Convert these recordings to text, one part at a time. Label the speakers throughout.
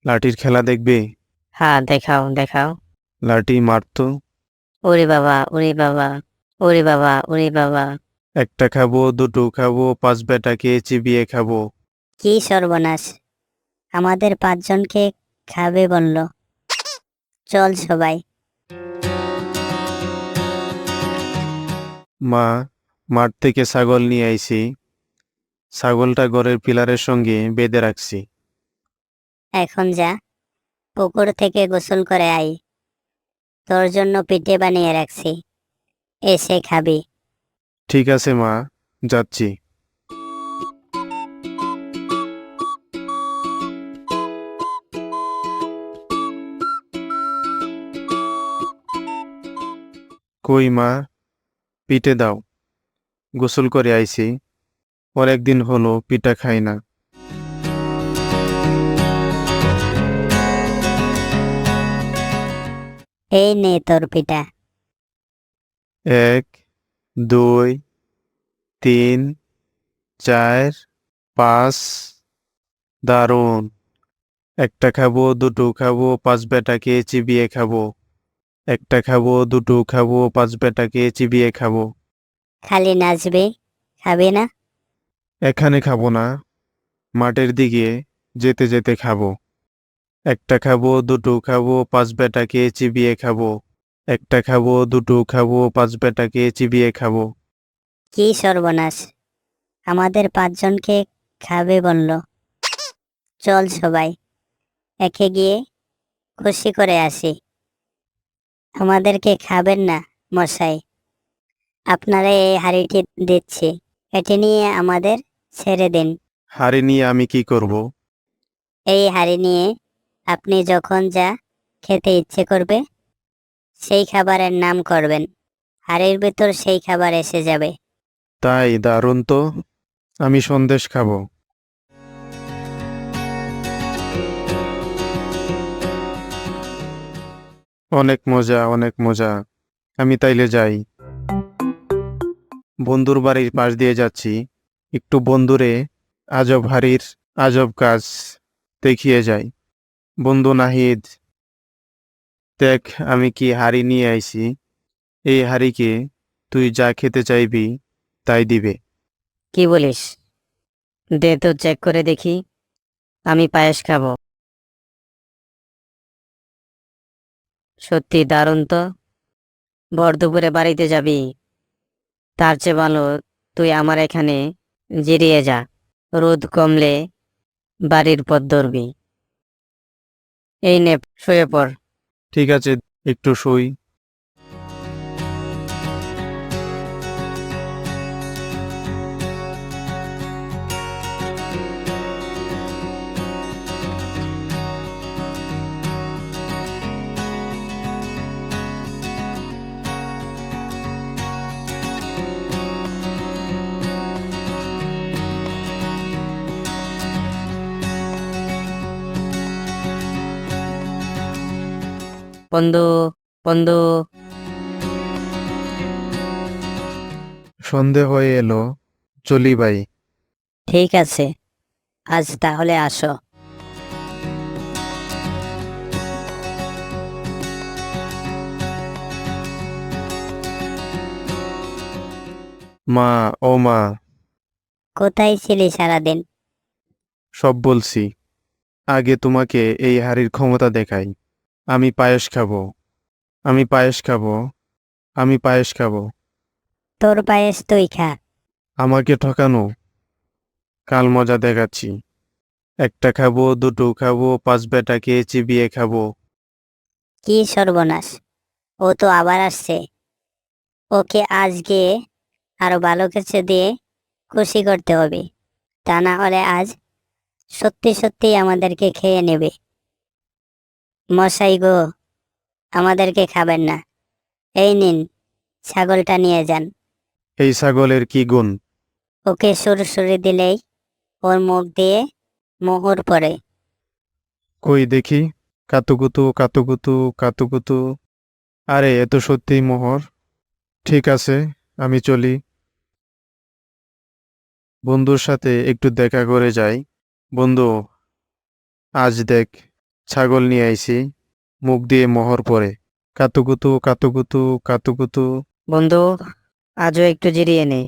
Speaker 1: লাঠির খেলা দেখবে?
Speaker 2: হ্যাঁ, দেখাও দেখাও।
Speaker 1: লাঠি মারতো।
Speaker 2: ওরে বাবা, ওরে বাবা, ওরে বাবা, ওরে বাবা।
Speaker 1: একটা খাবো, দুটো খাবো, পাঁচ বেটাকে চিবিয়ে খাবো।
Speaker 2: কি সর্বনাশ! আমাদের ৫ জনকে খাবে বলল। চল সবাই।
Speaker 1: মা, মাঠ থেকে ছাগল নিয়ে আইছি। ছাগলটা ঘরের পিলারের সঙ্গে বেঁধে রাখছি।
Speaker 2: এখন যা, পুকুর থেকে গোসল করে আই। তোর জন্য পিঠে বানিয়ে রাখছি, এসে খাবি।
Speaker 1: ঠিক আছে মা, যাচ্ছি। কই মা, পিঠে দাও। গোসল করে আইছি, অনেকদিন হলো পিঠা খাই না।
Speaker 2: এই নে তোর পিঠা।
Speaker 1: ১, ২, ৩, ৪, ৫। দারুণ! একটা খাবো, দুটো খাবো, পাঁচ বেটাকে চিবিয়ে খাবো। একটা খাবো, দুটো খাবো, পাঁচ বেটাকে চিবিয়ে খাবো।
Speaker 2: খালি নাচবি, খাবি না?
Speaker 1: এখানে খাবো না, মাঠের দিকে যেতে যেতে খাবো। একটা খাবো, দুটো খাবো, পাঁচ বেটাকে চিবিয়ে খাবো। একটা খাবো, দুটো খাবো, পাঁচ বেটাকে চিবিয়ে খাবো।
Speaker 2: কি সর্বনাশ! আমাদের ৫ জনকে খাবে বলল। চল সবাই, একে গিয়ে খুশি করে আসি। আমাদেরকে খাবেন না মশাই? আপনারা এই হাঁড়িটি দিচ্ছি, এটি নিয়ে আমাদের ছেড়ে দিন।
Speaker 1: হাঁড়ি নিয়ে আমি কি করব?
Speaker 2: এই হাঁড়ি নিয়ে আপনি যখন যা খেতে ইচ্ছে করবে সেই খাবারের নাম করবেন, হাঁড়ির ভিতর সেই খাবার এসে যাবে।
Speaker 1: তাই দারুণ তো, আমি সন্দেশ খাবো। অনেক মজা, অনেক মজা। আমি তাইলে যাই। বন্ধুর বাড়ির পাশ দিয়ে যাচ্ছি, একটু বন্ধুরে আজব হাড়ির আজব কাজ দেখিয়ে যাই। বন্ধু নাহিদ, দেখ আমি কি হাড়ি নিয়ে আইছি। এই হাড়িকে তুই যা খেতে চাইবি তাই দিবে।
Speaker 2: কি বলিস? দে তো চেক করে দেখি। আমি পায়েস খাবো। সত্যি দারুণ তো। ভর দুপুরে বাড়িতে যাবি, তার চেয়ে ভালো তুই আমার এখানে জিরিয়ে যা। রোদ কমলে বাড়ির পথ ধরবি। এই নে, শুয়ে পড়।
Speaker 1: ঠিক আছে, একটু শুই।
Speaker 2: বন্ধু, বন্ধু।
Speaker 1: সন্ধে হয়ে এলো, চলি ভাই।
Speaker 2: ঠিক আছে, আজ তাহলে আসো।
Speaker 1: মা, ও মা,
Speaker 2: কোথায় ছিলি সারাদিন?
Speaker 1: সব বলছি। আগে তোমাকে এই হাড়ির ক্ষমতা দেখাই। আমি পায়েস খাবো, আমি পায়েস খাবো, আমি পায়েস খাবো।
Speaker 2: তোর পায়েস তুই খা।
Speaker 1: আমাকে ঠকানো, কাল মজা দেখাচ্ছি। একটা খাবো, দুটো খাবো, পাঁচ বেটাকে চিবিয়ে খাবো।
Speaker 2: কি সর্বনাশ! ও তো আবার আসছে। ওকে আজ গিয়ে আরো ভালো কিছু দিয়ে খুশি করতে হবে, তা না হলে আজ সত্যি সত্যি আমাদেরকে খেয়ে নেবে। মশাই গো, আমাদেরকে খাবেন না। এই নিন, ছাগলটা নিয়ে যান।
Speaker 1: এই ছাগলের কি গুণ?
Speaker 2: ওকে সুরসুরি দিলেই ওর মুখ দিয়ে মোহর পড়ে।
Speaker 1: কই দেখি। কাতুকুতু কাতুকুতু কাতুকুতু। আরে এ তো সত্যিই মোহর। ঠিক আছে, আমি চলি। বন্ধুর সাথে একটু দেখা করে যাই। বন্ধু, আজ দেখ ছাগল নিয়ে আইছি, মুখ দিয়ে মোহর পরে। কাতুকুতু কাতুকুতু কাতুকুতু।
Speaker 2: বন্ধু, আজও একটু জিরিয়ে নে।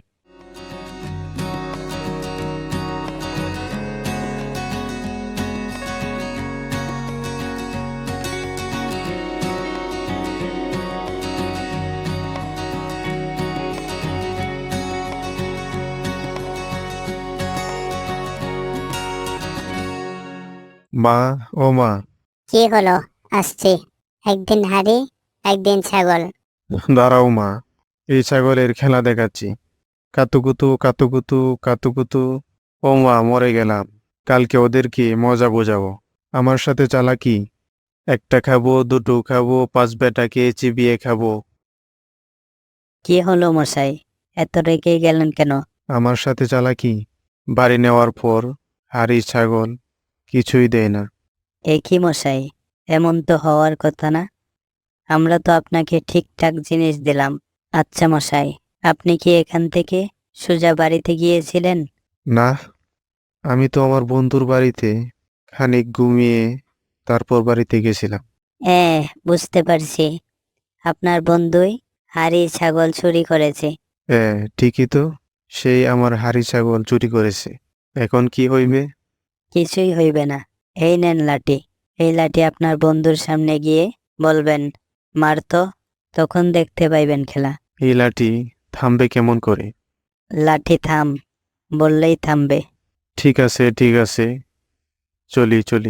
Speaker 1: মা, ও মা,
Speaker 3: কি হলো? আসছি। একদিন হাড়ি, একদিন ছাগল।
Speaker 1: দাঁড়াও মা, এই ছাগলের খেলা দেখাচ্ছি। কাতুকুতু কাতুকুতু কাতুকুতু। ও মা, মরে গেলাম। কালকে ওদেরকে মজা বোঝাবো। আমার সাথে চালাকি। একটা খাবো, দুটো খাবো, পাঁচ বেটাকে চিবিয়ে খাবো।
Speaker 2: কি হলো মশাই, এত রেগে গেলেন কেন?
Speaker 1: আমার সাথে চালাকি। বাড়ি নেওয়ার পর হাড়ি ছাগল কিছুই দেয় না।
Speaker 2: এ কি মশাই, এমন তো হওয়ার কথা না। আমরা তো আপনাকে ঠিকঠাক জিনিস দিলাম। আচ্ছা মশাই, আপনি কি এখান থেকে সোজা বাড়িতে গিয়েছিলেন?
Speaker 1: না, আমি তো আমার বন্ধুর বাড়িতে খানিক ঘুমিয়ে তারপর বাড়িতে গেছিলাম।
Speaker 2: হ্যাঁ, বুঝতে পারছি। আপনার বন্ধুই হাড়ি ছাগল চুরি করেছে।
Speaker 1: ঠিকই তো, সেই আমার হাড়ি ছাগল চুরি করেছে। এখন কি হইবে?
Speaker 2: কিছুই হইবে না। এই নেন লাঠি। এই লাঠি আপনার বন্ধুর সামনে গিয়ে বলবেন, মারতো, তখন দেখতে পাইবেন খেলা।
Speaker 1: এই লাঠি থামবে কেমন করে?
Speaker 2: লাঠি থাম বললেই থামবে।
Speaker 1: ঠিক আছে ঠিক আছে, চলি চলি।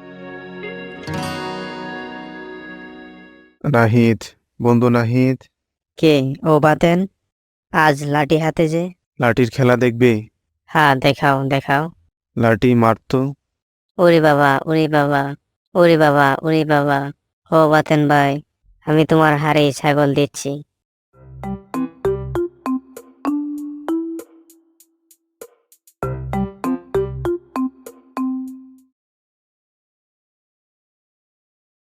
Speaker 1: নাহিদ, বন্ধু নাহিদ,
Speaker 2: কে? ও বাতেন, আজ লাঠি হাতে যে।
Speaker 1: লাঠির খেলা দেখবে?
Speaker 2: হ্যাঁ, দেখাও দেখাও।
Speaker 1: লাঠি মারতো।
Speaker 2: ওরে বাবা, ওরে বাবা, ওরে বাবা, ওরে বাবা। ও বাতেন ভাই, আমি তোমার হাড়ে ছাগল দিচ্ছি।